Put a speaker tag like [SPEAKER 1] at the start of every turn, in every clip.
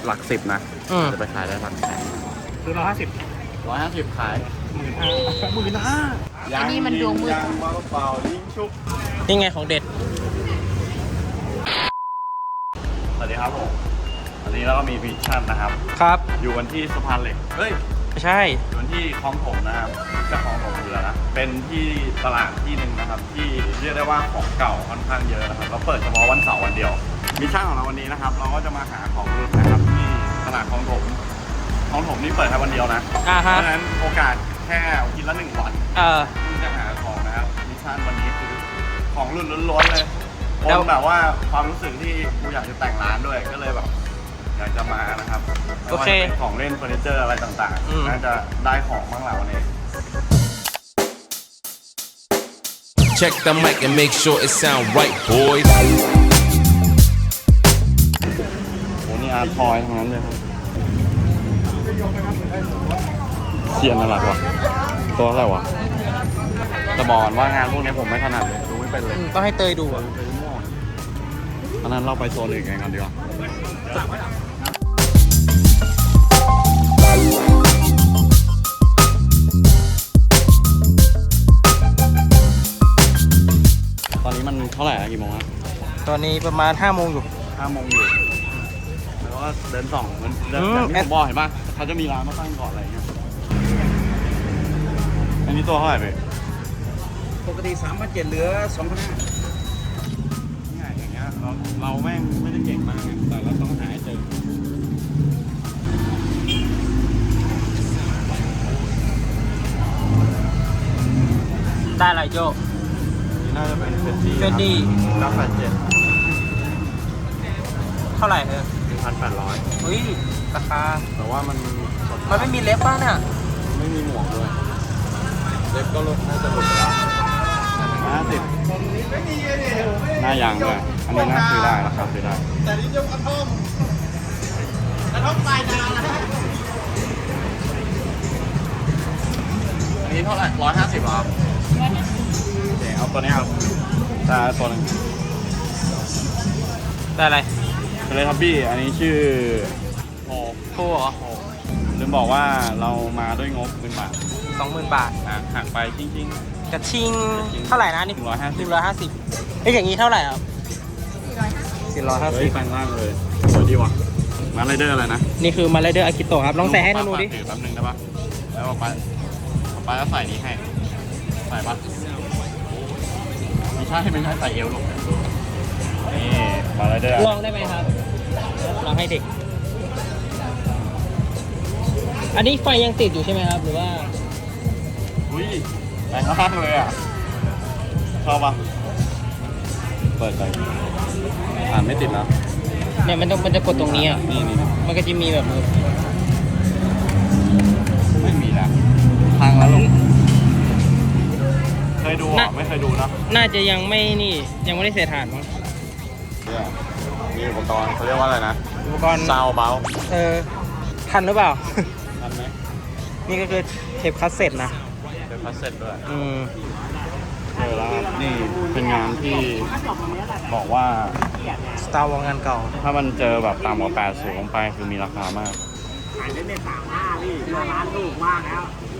[SPEAKER 1] หลัก10นะจะไปขายได้หลักแสน
[SPEAKER 2] ซื้อ150
[SPEAKER 1] ขาย
[SPEAKER 3] อันนี้มันดวงมืด
[SPEAKER 1] ยังมาเปล่ายิงชุบ
[SPEAKER 2] นี่ไงของเด็ด
[SPEAKER 1] สวัสดีครับผมวันนี้เราก็มีมิชชั่นนะครับ
[SPEAKER 2] ครับ
[SPEAKER 1] อยู่กันที่สะพานเหล็กเฮ้ย
[SPEAKER 2] ไม่ใช่
[SPEAKER 1] อยู่กันที่คลองถมนะครับจะคลองถมอยู่แล้วนะเป็นที่ตลาดที่หนึ่งนะครับที่เรียกได้ว่าของเก่าค่อนข้างเยอะนะครับเราเปิดเฉพาะวันเสาร์วันเดียวมิชชั่นของเราวันนี้นะครับเราก็จะมาหาของรุ่นนะครับที่ตลาดคลองถมนี่เปิดแค่วันเดียวนะเพ
[SPEAKER 2] ฮะ
[SPEAKER 1] ราะฉะนั้นโอกาสแค่กินละ1 วัน ที่จะหาของนะครับมิชชั่นวันนี้คือของรุ่นล้วนๆเลย
[SPEAKER 2] แล้ว
[SPEAKER 1] แบบว่าความรู้สึกที่กูอยากจะแต่งร้านด้วยก็เลยแบบอยากจะมานะครับ
[SPEAKER 2] โอเค
[SPEAKER 1] ไม่ว่าจะเป็นของเล่นเฟอร์นิเจอร์อะไรต่างๆน่าจะได้ของบ้างแหละวันนี้
[SPEAKER 4] Check the mic and make sure it sound right, boys.
[SPEAKER 1] โหนี่อาร์ทอยทั้งนั้นเลยครับเสียนอะไรวะตัวอะไรวะจะบอกก่อนว่างานพวกนี้ผมไม่ถนัดเลยดูไม่เป็นเลย
[SPEAKER 2] ต้องให้เตยดูอ่ะ
[SPEAKER 1] อันนั้นเราไปโซนอื่นกันดีกว่าตอนนี้มันเท่าไหร่อะกี่โมงอะ
[SPEAKER 2] ตอนนี้ประมาณ5 โมงอยู่
[SPEAKER 1] 5 โมงอยู่แล้วก็เดินส่องมันเดินอย่างที่ผมบอกเห็นป่ะเขาจะมีร้านมาตั้งก่อนอะไรอย่างเงี้ยอันนี้ตัวเท่าไหร่ไป
[SPEAKER 2] ปกติ3,700เหลือ 2,500
[SPEAKER 1] ง่ายอย่างเงี้ยเราแม่งไม่ได้เก่งมากไงแต่เราต้องหาให้เจอ
[SPEAKER 2] ได้อะไรโย
[SPEAKER 1] นี่น่าจะเป็นเฟนดี้
[SPEAKER 2] Fendi
[SPEAKER 1] 987
[SPEAKER 2] เท่าไหร่
[SPEAKER 1] 1,800
[SPEAKER 2] เฮ้ยราคา
[SPEAKER 1] แต่ว่ามัน
[SPEAKER 2] มันไม่มีเล็บป่ะเนี่ย
[SPEAKER 1] ไม่มีหมวกด้วยเล็บก็ลดน่าจะหลุดไปแล้ว50หน้ายางด้วยอันนี้น่าซื้อได้ราคาซื้อได้แต่นี่ยกกระท่อมปลายนาอันนี้เท่าไหร่150หรอครับโอเคเอาตัวนี้ครับแต่ตัวนึง
[SPEAKER 2] ได้อะไร
[SPEAKER 1] เป็นเลยครับพี่อันนี้ชื่อโฮ
[SPEAKER 2] โทรเหรอ
[SPEAKER 1] ลืมบอกว่าเรามาด้วยงบ10,000 บาท
[SPEAKER 2] 20,000 บาท
[SPEAKER 1] หักไปจริง
[SPEAKER 2] กระชิงเท่าไหร่นะนี่
[SPEAKER 1] 150
[SPEAKER 2] เอ้ยอย่างนี้เท่าไหร่ครับ
[SPEAKER 1] เฮ้ยแปลงร่างเลยสวยดีว่ะมาไรเดอร์อะไรนะ
[SPEAKER 2] นี่คือมาไรเดอร์อากิโตะครับลองใส่ให้ดูดิ
[SPEAKER 1] ถือแป๊บนึงได้ปะแล้วป้าจะใส่นี้ให้ใส่ปะไม่ใช่ใส่เอวลูกนี่มาไรเดอร์
[SPEAKER 2] ลองได้ไหมครับลองให้เด็ก อันนี้ไฟยังติดอยู่ใช่ไหมครับหรือว่า
[SPEAKER 1] อุ้ยแปลงร่างเลยอ่ะชอบปะเปิดไปอ่านไม่ติดแล้ว
[SPEAKER 2] เนี่ยมันจะกดตรงนี้อ่ะ
[SPEAKER 1] นี่
[SPEAKER 2] มันก็จะมีแบบ
[SPEAKER 1] ไม่มีนะทางแล้วลูกเคยดูหรอไม่เคยดูนะ
[SPEAKER 2] น่าจะยังไม่นี่ยังไม่ได้เสียฐานมั้ง
[SPEAKER 1] เนี่ยมีอุปกรณ์เขาเรียกว่าอะไรนะ
[SPEAKER 2] อุปกรณ์
[SPEAKER 1] ซาวเบล
[SPEAKER 2] ทันหรือเปล่า
[SPEAKER 1] ทันไหม
[SPEAKER 2] นี่ก็คือเทปคัสเซ็ตนะ
[SPEAKER 1] เป็นพัสเซ็ตด้วย แล้วนี่เป็นงานที่บอกว่า
[SPEAKER 2] สตาร์วอลงานเก่า
[SPEAKER 1] ถ้ามันเจอแบบต่ำกว่า80ลงไปคือมีราคามากขายได้ใน35พี่ร้านถูกมากแล้ว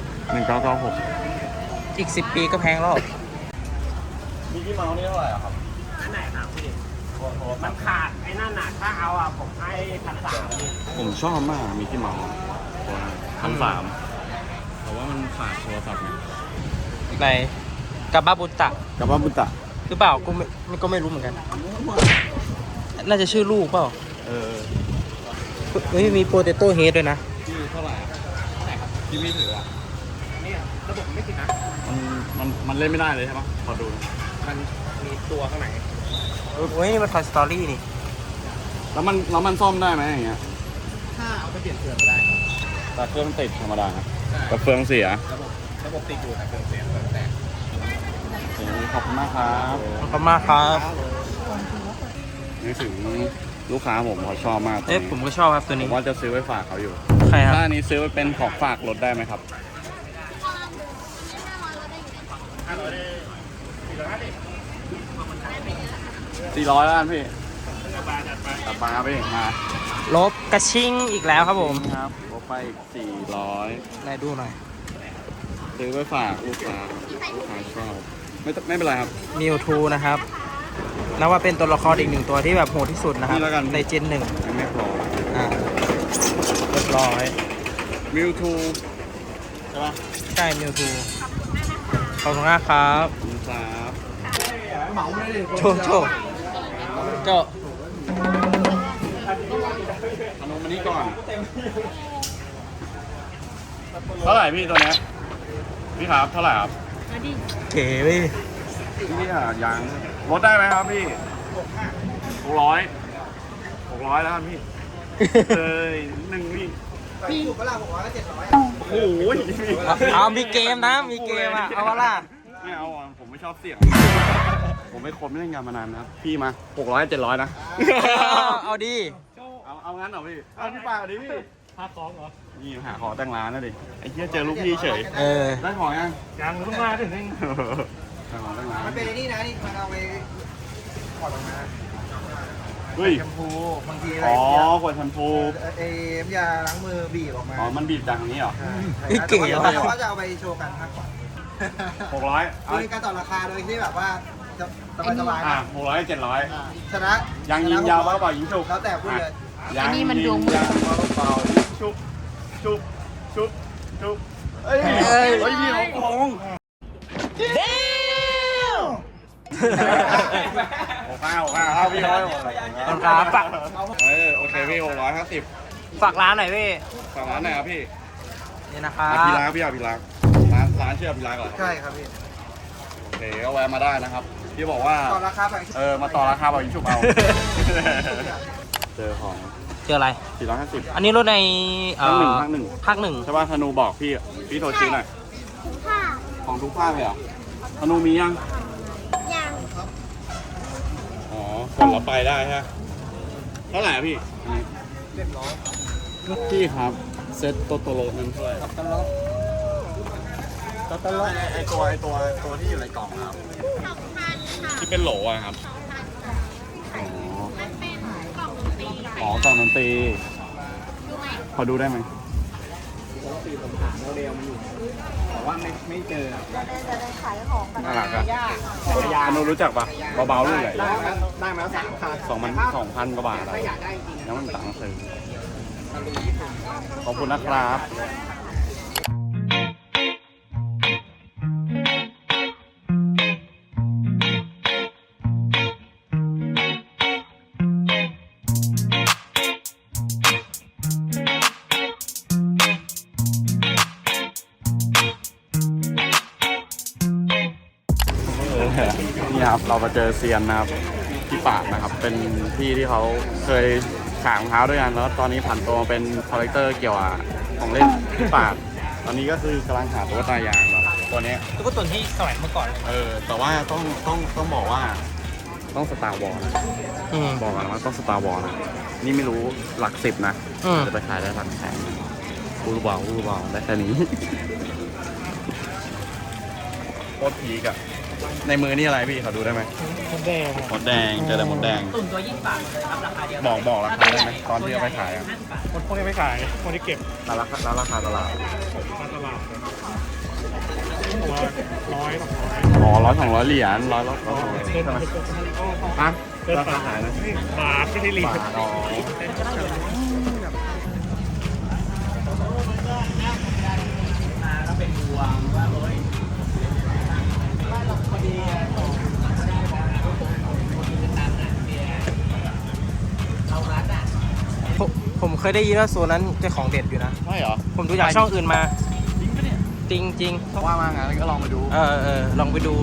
[SPEAKER 1] 1996
[SPEAKER 2] อีก10 ปีก็แพงแล้ว
[SPEAKER 1] มิกกี้เมาส์นี่เท่าไหร่ครับ
[SPEAKER 5] อันไหนครับพี่มันขาดไอ้นั่นน่ะถ้าเอาอ่ะผมให้1,300พี่
[SPEAKER 1] ผมชอบมากมิกกี้เมาส์1,300แต่ว่ามันขาดโทรศัพท์ไง
[SPEAKER 2] ในกับบาบุตะ
[SPEAKER 1] กับว่าบุตะ
[SPEAKER 2] หรือเปล่าก็ไม่รู้เหมือนกัน น่าจะชื่อลูกเปล่าเฮ้ยมีโปเตโต้เฮดด้วยนะ
[SPEAKER 1] ที่เท่าไหร่ที่พี่ถืออ่ะ
[SPEAKER 5] เนี่ยระบบไม่ติดนะ
[SPEAKER 1] มันเล่นไม่ได้เลยใช่ไหมขอดูนะ
[SPEAKER 5] มันมีตัวข้างใน
[SPEAKER 2] เฮ้ยนี่มัน Toy Story นี่
[SPEAKER 1] แล้วมันซ่อมได้ไหมอย่างเงี้ย
[SPEAKER 5] ถ้าเอาไปเปลี่ยนเครื่องก็ได้
[SPEAKER 1] แต่เครื่องติดธรรมดาแต่เฟืองเสีย
[SPEAKER 5] ระบบติดอยู่แต่เครื่องเสียเครื่องแตก
[SPEAKER 1] โอเคขอบคุณมากครับ
[SPEAKER 2] ขอบคุณมากครับ
[SPEAKER 1] นึกถึงลูกค้าผมเขาชอบมาก
[SPEAKER 2] เอ๊ะผมก็ชอบครับตัว
[SPEAKER 1] ผ
[SPEAKER 2] นี้
[SPEAKER 1] มว่าจะซื้อไว้ฝากเขาอยู่
[SPEAKER 2] ใครครับ
[SPEAKER 1] ถ้าอันนี้ซื้อไปเป็นของฝากลดได้ไหมครับ400แล้วกันพี่ตัดปลาไปมา
[SPEAKER 2] ลบกระชิงอีกแล้วครับผม
[SPEAKER 1] ครับลบไปอีก400
[SPEAKER 2] ไหนดูหน่อย
[SPEAKER 1] ซื้อไปฝากลูกค้าชอบไม่เป็นไรครับ
[SPEAKER 2] มิวทูนะครับนับว่าเป็นตัวละครอีกหนึ่งตัวที่แบบโหดที่สุดนะครับ
[SPEAKER 1] นี่แล้วกัน
[SPEAKER 2] ในเจนหนึ่ง
[SPEAKER 1] ยังไม่พอ
[SPEAKER 2] เรียบร้อย
[SPEAKER 1] มิวทูใช่ปะ
[SPEAKER 2] ใช่มิวทูขอบคุณมากครับ
[SPEAKER 1] ขอบคุณครับ
[SPEAKER 2] โจโจโจ
[SPEAKER 1] ขนมอันนี้ก่อนเท่าไหร่พี่ตัวเนี้ยพี่ครับเท่าไหร่ครับ
[SPEAKER 2] เก๋เว้ย
[SPEAKER 1] พี่อ่ะยังลดได้ไหมครับพี่600แล้วครับพี่เลยหนึ่งพี่โอ้โห
[SPEAKER 2] เอามีเกมนะ มีเกมอ่ะ เอาวะล่ะ
[SPEAKER 1] ไม่เอาอ่ะผมไม่ชอบเสี่ยง ผมไม่คนไม่เล่นงานมานานนะครับพี่มา600 700นะ
[SPEAKER 2] เอาดี
[SPEAKER 1] เอางั้นเหรอพี่เอาที่ปากดิพี่หาของเหรอนี่หาของแต่งร้านนะดิไอ้เหี้ยเจอลูกพี่เฉย
[SPEAKER 2] เออ
[SPEAKER 1] ได้ของยัง
[SPEAKER 5] ยังเพิ่งมาถึงนึง
[SPEAKER 1] ได้ของแต่งร้าน
[SPEAKER 3] มันเป็นไอ้นี่นะนี่มันเอาไปถอดออกมา
[SPEAKER 1] เฮ้ย
[SPEAKER 3] แชมพูบางทีอะไร
[SPEAKER 1] อ๋อ
[SPEAKER 3] เนี่ย
[SPEAKER 1] ขวดแชมพู
[SPEAKER 3] เอ็มยาล้างมือบีบออกมา
[SPEAKER 1] อ๋อมันบีบจากตรงนี้เหรอ
[SPEAKER 3] ใช่
[SPEAKER 2] นี่เก๋
[SPEAKER 3] แต่
[SPEAKER 2] ว่ะ
[SPEAKER 3] ว่าจะเอาไปโชว์กันมากกว่า
[SPEAKER 1] 600
[SPEAKER 3] คือการต่อราคาโดยที่แบบว่าจะสบายๆ
[SPEAKER 1] อ่ะ
[SPEAKER 3] นะ
[SPEAKER 1] 600 700
[SPEAKER 3] ชนะ
[SPEAKER 1] ยังยิงยาวเปล่ายิงฉุก
[SPEAKER 3] แล้วแต่พูดเลย
[SPEAKER 1] ยังยิงยาวเปล่าชุบชุบชุบชุบเอ้ยพี่เขาโกง650พี่ร้อย
[SPEAKER 2] ขอบคุณครับฝาก
[SPEAKER 1] โอเคพี่650
[SPEAKER 2] ฝากร้านหน่อยพี่
[SPEAKER 1] ฝั่งร้านไหนครับพี่
[SPEAKER 2] นี่นะครับ
[SPEAKER 1] พี่รักพี่รักร้านชื่อพี่รักเหรอ
[SPEAKER 3] ใช่ครับพี่
[SPEAKER 1] โอเคก็แวะมาได้นะครับพี่บอกว่า
[SPEAKER 3] ต่อราคาไป
[SPEAKER 1] มาต่อราคาแบบยิงฉุบเอาเจอของ
[SPEAKER 2] เจออะไร
[SPEAKER 1] 450
[SPEAKER 2] อันนี้รถใน
[SPEAKER 1] ภาคหนึ่ง
[SPEAKER 2] ภาคหนึ่ง
[SPEAKER 1] ใช่ป่ะธนูบอกพี่โทรชี้หน่อยของทุกภาคเลยเหรอธนูมียังอ๋อกดแล้วไปได้ใช่ไหมเท่าไหร่อะพี่พี่ครับเซ็ตโตโตโรนั้นเท่าไหร่โตโตโรไอตัวที่อยู่ในกล่องครับที่เป็นโหลอะครับอ๋อกล่องดนตรีพอดูได้ไหมน่ารักอะยาโนรู้จักปะเบาๆลูกใหญ่
[SPEAKER 3] ได้มาแล้ว3 คัน
[SPEAKER 1] 2,000 กว่าบาทอะแล้วมันต่างซื้อขอบคุณนะครับ นี่ครับเรามาเจอเซียนนะครับพี่ปาดนะครับ เป็นพี่ที่เขาเคยขายรองเท้าด้วยกันแล้วตอนนี้ผันตัวมาเป็นคอลเลกเตอร์เกี่ยวกับของเล่นพี่ปาดตอนนี้ก็คือกำลังหาตัวตายางแบบตัวเนี้ย
[SPEAKER 2] ตุ๊กตาที่สมัยเมื่อก่อน
[SPEAKER 1] แต่ว่าต้องบอกว่าต้องสตาร์วอลนะ
[SPEAKER 2] อืม
[SPEAKER 1] บอกกันว่าต้องสตาร์วอลนะนี่ไม่รู้หลัก10นะ
[SPEAKER 2] อืม
[SPEAKER 1] จะไปขายได้หลักแสนอูรูบอลได้แค่นี้โคตรพีกอะในมือนี่อะไรพี่เขาดูได้ไหม
[SPEAKER 2] หมดแดง
[SPEAKER 1] หมดแดงเจอแต่หมดแดง
[SPEAKER 2] ตุ่นตัว20 บาทเลยครับราคาเดียว
[SPEAKER 1] บอกราคาได้ไหมตอนที่เอาไปขายอะ
[SPEAKER 5] คนพวกนี้ไม่ขาย คนที่เก็บ
[SPEAKER 1] แล้วราคาตลาด
[SPEAKER 5] มาตลาดผมว่า100 200
[SPEAKER 1] อ๋อ100-200 เหรียญ100 200ใช่ไหมฮะราคาขายนะ
[SPEAKER 5] บาทไม่ใช่เหรียญ
[SPEAKER 1] บาทอ๋อ
[SPEAKER 2] ผมเคยได้ยินว่าโซนนั้นเจ้าของเด็ดอยู่นะ
[SPEAKER 1] ใช่เหรอ
[SPEAKER 2] ผมดูจากช่องอื่นมา จริงจริง
[SPEAKER 1] ว่ามางานก็ลองไปดู
[SPEAKER 2] ลองไปดู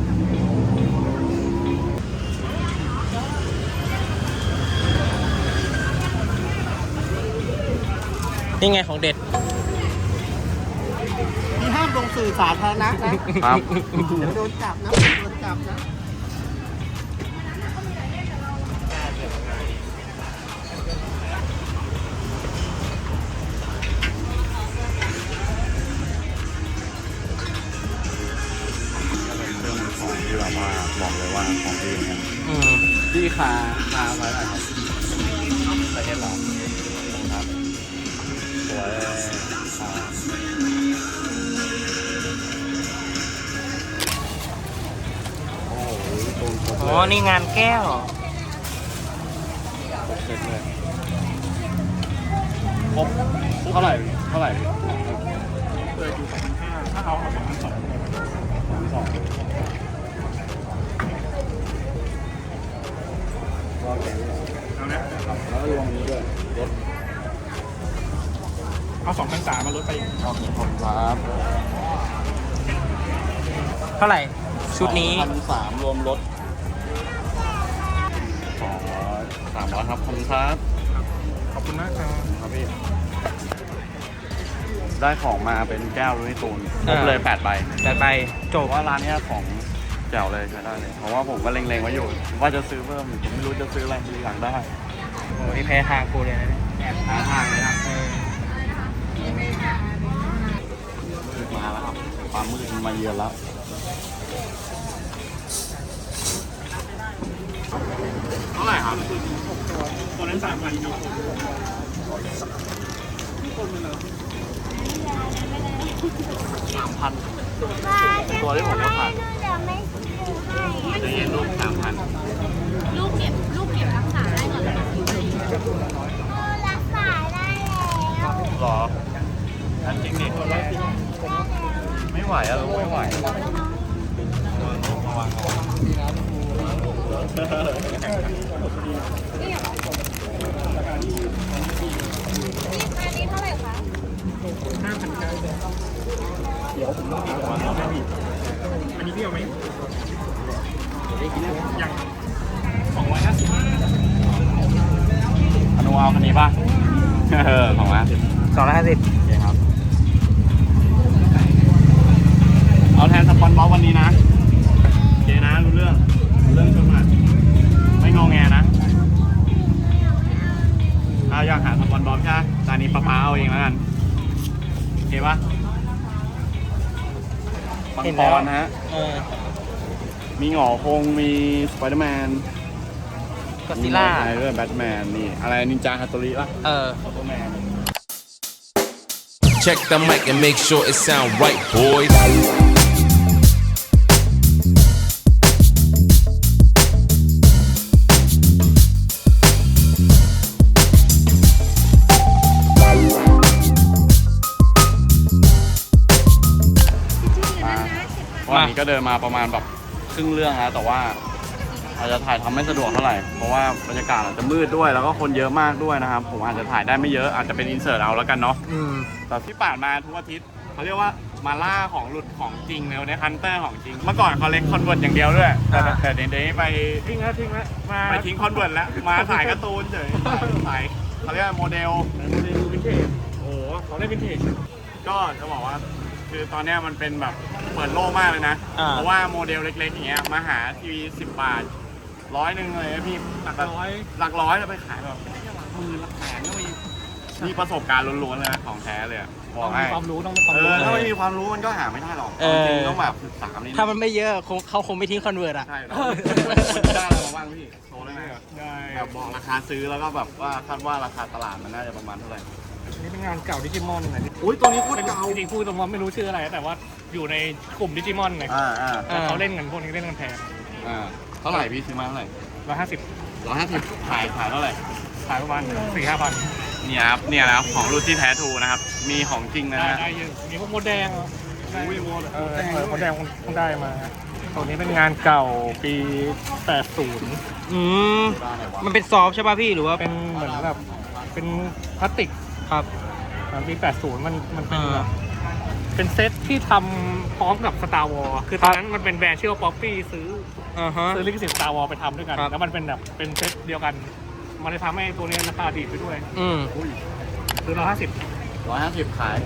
[SPEAKER 2] นี่ไงของเด็ด
[SPEAKER 3] มีห้ามลงสื่อสาธารณะนะครับ เดี๋ยวโดนจับนะโดนจับนะ
[SPEAKER 1] เครื่องมือของที่แบบว่าบอกเลยว่าของดีเนี่ย
[SPEAKER 2] อืม
[SPEAKER 1] ที่คาไว้อะไรครับเห็นเหรอครับสวยโอ้โหตูนครบ
[SPEAKER 2] อ๋อ
[SPEAKER 1] เลย
[SPEAKER 2] นี่งานแก้ว
[SPEAKER 1] เสร็จเลยครบเท่าไหร่เท่าไหร่เปิดอยู่2,500ถ้าเอา2,200 2,200เอานะแล้วก็รวมนี้ด้วยลดเอา2,300มาลดไปเอา2,000ครับ
[SPEAKER 2] เท่าไหร่ ชุดนี้
[SPEAKER 1] 1,300รวมลด200 300ครับขอบคุณครับขอบคุณมากครับพี่ได้ของมาเป็นแก้วลุยตูนครบเลย8 ใบ
[SPEAKER 2] แต่ไปจบ
[SPEAKER 1] ว่าร้านนี้ของแจ๋วเลยใช้ได้เลย เพราะว่าผมก็เล็งๆไว้อยู่ ว่าจะซื้อเพิ่มผมไม่รู้จะซื้ออะไรทีหลังได้
[SPEAKER 2] โอ้ยแพ้ทางกูเลยนะเนี่ย
[SPEAKER 1] หาทางเลยนะ
[SPEAKER 2] เออ
[SPEAKER 1] มาแล้วครับความมืดมันมาเยือนแล้วเท่าไหร่ครับตัวนั้น3,000อยู่3,000ตัวที่ผมก็ผ่าน
[SPEAKER 6] เดี๋ยวไม่ซื้อให้
[SPEAKER 1] จะเย็นลูก3,000
[SPEAKER 6] ลูกเก็บรักษาได้ก่อนเลยรักษาได้แล้ว
[SPEAKER 1] หรออันจริงดิไม่ไหวอะลูกไม่ไหวระวังระวัง
[SPEAKER 6] อันนี้เท่าไหร่คะ
[SPEAKER 5] อันนี้พี่เอาไหมยัง
[SPEAKER 1] อนุเอาคันนี้ป่ะของร้าน
[SPEAKER 2] 250
[SPEAKER 1] โอเคครับ เอาแทนสปอนบอลวันนี้นะโอเคนะรู้เรื่องชนมาไม่งอแงนะเอาอยากหาสปอนบอลใช่ไหมร้านนี้ป้าเอาเองแล้วกันโอเคป่ะมัง
[SPEAKER 2] เห็น
[SPEAKER 1] ก
[SPEAKER 2] แล้ว
[SPEAKER 1] รนะฮะ
[SPEAKER 2] เออ
[SPEAKER 1] มีหงอคงมีสไปเดอร์แมน
[SPEAKER 2] ก็ซิล่า
[SPEAKER 1] อะไรด้วยแบทแมนนี่อะไรนินจาฮัตโตริป่ะ
[SPEAKER 2] เออ
[SPEAKER 1] ซูเปอร์แมน
[SPEAKER 4] Check the mic and make sure it sound right, boys.
[SPEAKER 1] วันนี้ก็เดินมาประมาณแบบครึ่งเรื่องแล้วแต่ว่าอาจจะถ่ายทำไม่สะดวกเท่าไหร่เพราะว่าบรรยากาศอาจจะมืดด้วยแล้วก็คนเยอะมากด้วยนะครับผมอาจจะถ่ายได้ไม่เยอะอาจจะเป็นอินเสิร์ตเอาแล้วกันเนาะ
[SPEAKER 2] อืม
[SPEAKER 1] แต่ที่ผ่านมาทุกอาทิตย์เขาเรียกว่ามาล่าของหลุดของจริงเลยในฮันเตอร์ของจริงเมื่อก่อนเขาเล็กคอนเวิร์ตอย่างเดียวด้วยแต่เดี๋ยวนี้ไปทิ้งแล้วไปทิ้งคอนเวิร์ตแล้วมาถ่ายการ์ตูนเฉยถ่ายเขาเรียกว่าโมเดลวินเทจโอ้โหเขาเรียกวินเทจก็จะบอกว่าคือตอนเนี้ยมันเป็นแบบเปิดโลกมากเลยนะ เพราะว่าโมเดลเล็กๆอย่างเงี้ยมาหาทีวี10 บาท100เลยนะพี่หลักร้อยแล้วไปขายแบบหลักหมื่นหลักแสนก็มีประสบการณ์ล้วนๆเลยนะของแท้เลยอะบอกให้ความรู้ต้องมีความรู้ถ้าไม่มีความรู้มันก็หาไม่ได้หรอกจริงๆต้องแบบศึกษานิดนึง
[SPEAKER 2] ถ้ามันไม่เยอะเขาคงไม่ทิ้งคอนเวิร์ตอ่ะ
[SPEAKER 1] ใช่แล้วมันได้อะไรมาบ้างพี่โชว์ได้ไหมได้แบบบอกราคาซื้อแล้วก็แบบว่าคาดว่าราคาตลาดมันน่าจะประมาณเท่าไหร่
[SPEAKER 5] นี่เป็นงานเก่าดิจิมอนนะ
[SPEAKER 1] อุ้ยตัวนี้โคตรเก่า
[SPEAKER 5] จริงๆพูดตรงว่าไม่รู้ชื่ออะไรแต่ว่าอยู่ในกลุ่มดิจิมอนไง
[SPEAKER 1] อ่า
[SPEAKER 5] เขาเล่นกันพวกนี้เล่นกันแพง
[SPEAKER 1] เท่าไหร่พี่ซื้อมาเท่าไหร่
[SPEAKER 5] 150
[SPEAKER 1] ขายเท่าไหร่
[SPEAKER 5] ขายประมาณ 4-5 พัน
[SPEAKER 1] เนี่ยครับเนี่ยนะครับของรุ่นที่แท้ทูนะครับมีของจริงนะฮะ
[SPEAKER 5] ได้เยอะมีพวกโมดแดง
[SPEAKER 1] อุ้ยโมด
[SPEAKER 5] โมดแดงคงได้มาตัวนี้เป็นงานเก่าปี 80
[SPEAKER 2] อืม มันเป็นซอฟต์ใช่ป่ะพี่หรือว่า
[SPEAKER 5] เป็นเหมือนแบบเป็นพลาสติก
[SPEAKER 2] ครับ
[SPEAKER 5] ปี 80 มันเป็นแบบเป็นเซตที่ทำพร้อมกับ Star Wars คือตอนนั้นมันเป็นแบรนด์ชื่อว่า Poppy ซื้อลิขสิทธิ์ Star Wars ไปทำด้วยกัน แล้วมันเป็นแบบเป็นเซตเดียวกัน มันเลยทำให้ตัวนี้ราคาดีดไปด้วย
[SPEAKER 2] อืม
[SPEAKER 5] ซื้อ150
[SPEAKER 1] 150ขาย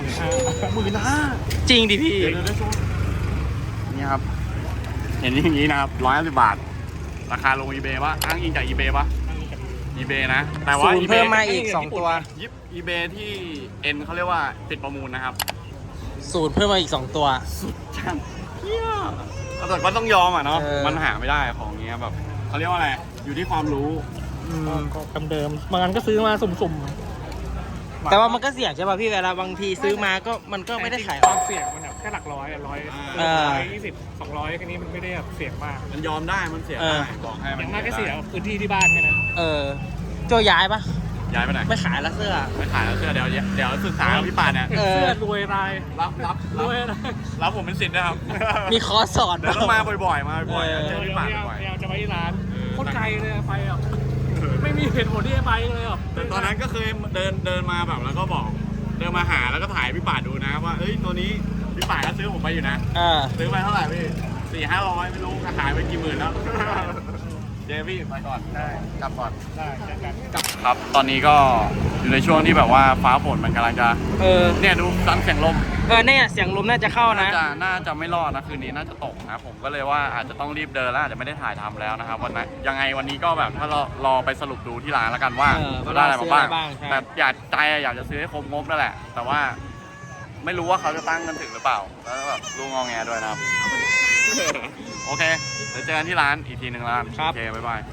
[SPEAKER 2] จริงดิพี่
[SPEAKER 1] เดี๋ยวได้ชมนี่ครับเห็นอย่างนี้นะครับ150 บาท ราคาลง eBay ปะอ้างอิงจาก eBay ปะ eBay นะแต่ว่า
[SPEAKER 2] ศูนย์
[SPEAKER 1] eBay
[SPEAKER 2] เพิ่มมาอีก 2 ตัว
[SPEAKER 1] ยิบ eBay ที่ N เขาเรียกว่าปิดประมูลนะครับ
[SPEAKER 2] ศูนย์เพิ่มมาอีก 2 ตัว
[SPEAKER 1] ช่างเฮียแต่ก็ต้องยอมอ่ะเนาะ
[SPEAKER 2] เออ
[SPEAKER 1] มันหาไม่ได้ของเงี้ยแบบเขาเรียกว่าอะไรอยู่ที่ความรู้
[SPEAKER 5] ก็เดิมๆบางอันก็ซื้อมาสุ่มๆ
[SPEAKER 2] แต่ว่ามันก็เสี่ยงใช่ป่ะพี่เวลาบางทีซื้อมาก็มันก็ไม่ได้ขาย
[SPEAKER 5] ความเสี่ยงมันแบบแค่หลักร้อย120 200แค่นี้มันไม่ได้แบบเสี่ยงมาก
[SPEAKER 1] มันยอมได้มันเสียได้บอกให้
[SPEAKER 5] อ
[SPEAKER 1] มัน
[SPEAKER 5] ย่างมากก็เสียพื้นที่ที่บ้านแค่นั้น
[SPEAKER 2] โจย้ายปะ
[SPEAKER 1] ย้ายไปไหน
[SPEAKER 2] ไม่ขายละเสื้อ
[SPEAKER 1] ไม่ขายแล้วเสื้อเดี๋ยวศึกษากับพี่ป่านเนี่ย
[SPEAKER 2] เออ
[SPEAKER 5] เสื้อรวยราย
[SPEAKER 1] รับ
[SPEAKER 5] รวยราย
[SPEAKER 1] รับผมเป็นสิทธิ์นะครับ
[SPEAKER 2] มีคอร์สสอน
[SPEAKER 1] เดี๋ยวต้องมาบ่อยๆมาบ่อยๆ
[SPEAKER 2] เออ
[SPEAKER 1] เจอพี่ป่านบ่อย
[SPEAKER 5] พยายามจะไปที่ร้าน
[SPEAKER 1] ๆ
[SPEAKER 5] โคตรไกลเลยไปอ่ะไม่มีเหตุผลที่จะไปเลยอ่ะ
[SPEAKER 1] แต่ตอนนั้นก็เคยเดินมาแบบแล้วก็บอกเดินมาหาแล้วก็ถ่ายพี่ป่านดูนะว่าเอ้ยตัวนี้พี่ป่านก็ซื้อผมไปอยู่นะ ซื้อไปเท่าไหร่พี่400-500ไม่รู้ขายไปกี่หมื่นแล้ว เดวี่ไปก่อนได้กลับก่อน
[SPEAKER 5] ได้เจอกัน
[SPEAKER 1] ครับ ตอนนี้ก็อยู่ในช่วงที่แบบว่าฟ้าฝนมันกำลังจะเนี่ยดูซันเสียงลม
[SPEAKER 2] เนี่ยเสียงลมน่าจะเข้านะ
[SPEAKER 1] น่าจะไม่รอดนะคืนนี้น่าจะตกนะผมก็เลยว่าอาจจะต้องรีบเดินแล้วอาจจะไม่ได้ถ่ายทำแล้วนะครับวันนั้นยังไงวันนี้ก็แบบถ้ารอไปสรุปดูที่ร้านแล้วกันว่า
[SPEAKER 2] ว่า
[SPEAKER 1] ได้อะไรมาบ้าง
[SPEAKER 2] ซื้ออะไรบ้างใช่
[SPEAKER 1] แต่อยากจะซื้อให้ครบงบนั่นแหละ แต่ว่าไม่รู้ว่าเขาจะตั้งกันถึงหรือเปล่าแล้วแบบลูกงอแงด้วยนะครับ โอเคเดี๋ยวเจอกันที่ร้านอีกทีหนึ่งร้าน
[SPEAKER 2] ครับ
[SPEAKER 1] โอเคบ๊ายบาย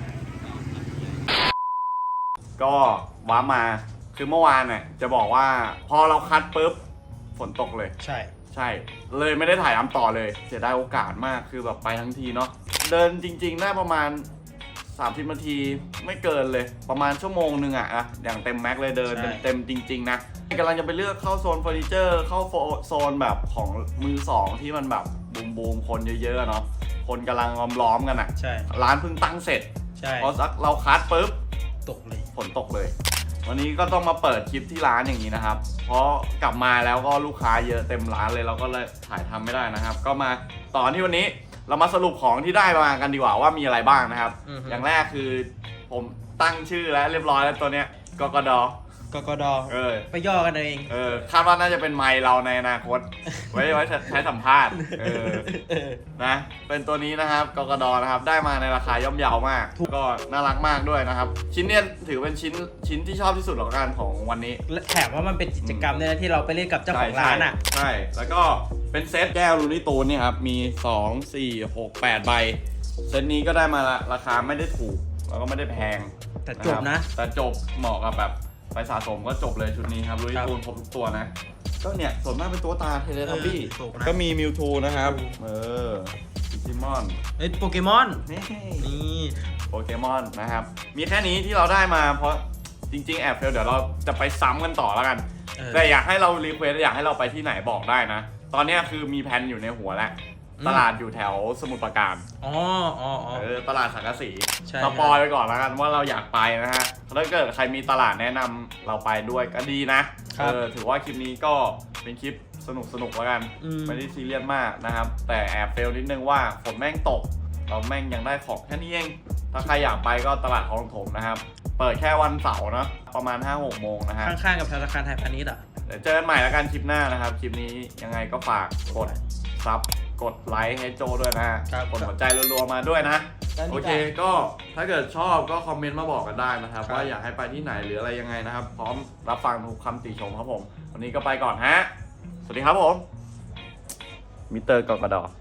[SPEAKER 1] ก็ว้ามาคือเมื่อวานเนี่ยจะบอกว่าพอเราคัดปุ๊บฝนตกเลย
[SPEAKER 2] ใช่
[SPEAKER 1] ใช่เลยไม่ได้ถ่ายทำต่อเลยเสียดายโอกาสมากคือแบบไปทั้งทีเนาะเดินจริงๆได้ประมาณ30นาทีไม่เกินเลยประมาณชั่วโมงนึงอะอย่างเต็มแม็กเลยเดิน
[SPEAKER 2] ใช่
[SPEAKER 1] เต็มจริงๆนะกำลังจะไปเลือกเข้าโซนเฟอร์นิเจอร์เข้าโซนแบบของมือสองที่มันแบบบูมคนเยอะๆเนาะคนกำลังล้อมๆกันอะ
[SPEAKER 2] ใช่
[SPEAKER 1] ร้านเพิ่งตั้งเสร็จ
[SPEAKER 2] ใช่
[SPEAKER 1] พอสักเราคัดปุ๊บ
[SPEAKER 2] ตกเลย
[SPEAKER 1] ฝนตกเลย วันนี้ก็ต้องมาเปิดคลิปที่ร้านอย่างนี้นะครับ เพราะกลับมาแล้วก็ลูกค้าเยอะเต็มร้านเลยเราก็เลยถ่ายทำไม่ได้นะครับ ก็มาต่อที่วันนี้เรามาสรุปของที่ได้มากันดีกว่าว่ามีอะไรบ้างนะครับ อย่างแรกคือผมตั้งชื่อแล้วเรียบร้อยแล้วตัวเนี้ยกกด
[SPEAKER 2] กกด ไปย่อกันเอง
[SPEAKER 1] คาดว่าน่าจะเป็นไมค์เราในอนาคต ไว้ใช้สัมภาษณ์นะเป็นตัวนี้นะครับกกดนะครับได้มาในราคาย่อมเยาวมากก็น่ารักมากด้วยนะครับชิ้นเนี้ยถือเป็นชิ้นที่ชอบที่สุดของกันของวันนี้
[SPEAKER 2] และแถมว่ามันเป็นกิจกรรมเนี่ยนะที่เราไปเล่นกับเจ้าของร้านอ่ะ
[SPEAKER 1] ใช่ แล้วก็เป็นเซตแก้วลูนี่ตูนนี่ครับ มี 2 4 6 8 ใบ เซตนี้ก็ได้มาละราคาไม่ได้ถูก แล้วก็ไม่ได้แพง
[SPEAKER 2] แต่จบนะ
[SPEAKER 1] แต่จบเหมาะกับแบบไปสะสมก็จบเลยชุดนี้ครับลูนี่ตูนครบทุกตัวนะ ก็เนี่ยส่วนมากเป็นตัวตาเทเลทับบี้
[SPEAKER 2] ถูกนะ
[SPEAKER 1] ก็มีมิวทูนะครับดิจิมอน
[SPEAKER 2] โปเกมอน
[SPEAKER 1] นี่
[SPEAKER 2] นี่
[SPEAKER 1] โปเกมอนนะครับ มีแค่นี้ที่เราได้มาเพราะจริงๆแอบเฟลเดี๋ยวเราจะไปซ้ำกันต่อแล้วกัน แต่อยากให้เรารีเควสอยากให้เราไปที่ไหนบอกได้นะ ตอนนี้คือมีแผนอยู่ในหัวแล้ว ตลาดอยู่แถวสมุทรปราการ ตลาดสังกะสี
[SPEAKER 2] ใช่
[SPEAKER 1] สปอยไปก่อนแล้วกันว่าเราอยากไปนะฮะถ้าเกิดใครมีตลาดแนะนำเราไปด้วยก็ดีนะ ถือว่าคลิปนี้ก็เป็นคลิปสนุกแล้วกัน ไม่ได้ซีเรียสมากนะครับ แต่แอบเฟลนิดนึงว่าฝนแม่งตก เราแม่งยังได้ของแค่นี้เอง ถ้าใครอยากไปก็ตลาดคลองถมนะครับ เปิดแค่วันเสาร์นะประมาณ 5-6 โมงนะฮะ
[SPEAKER 2] ข้างๆกับธนาคารไทยพาณิชย์อ่ะ
[SPEAKER 1] เดี๋ยวเจอกันใหม่แล้วกันคลิปหน้านะครับ คลิปนี้ยังไงก็ฝากกดซับกดไลค์ให้โจด้วยนะฮะ
[SPEAKER 2] ครับ
[SPEAKER 1] กดหัวใจรัวๆมาด้วยนะ
[SPEAKER 2] ได้นี่
[SPEAKER 1] โอเค ก็ถ้าเกิดชอบก็คอมเมนต์มาบอกกันได้นะครับ
[SPEAKER 2] ครับ
[SPEAKER 1] ว่าอยากให้ไปที่ไหนหรืออะไรยังไงนะครับ พร้อมรับฟังทุกคำติชมครับผม วันนี้ก็ไปก่อนฮะ สวัสดีครับผมมิสเตอร์กกด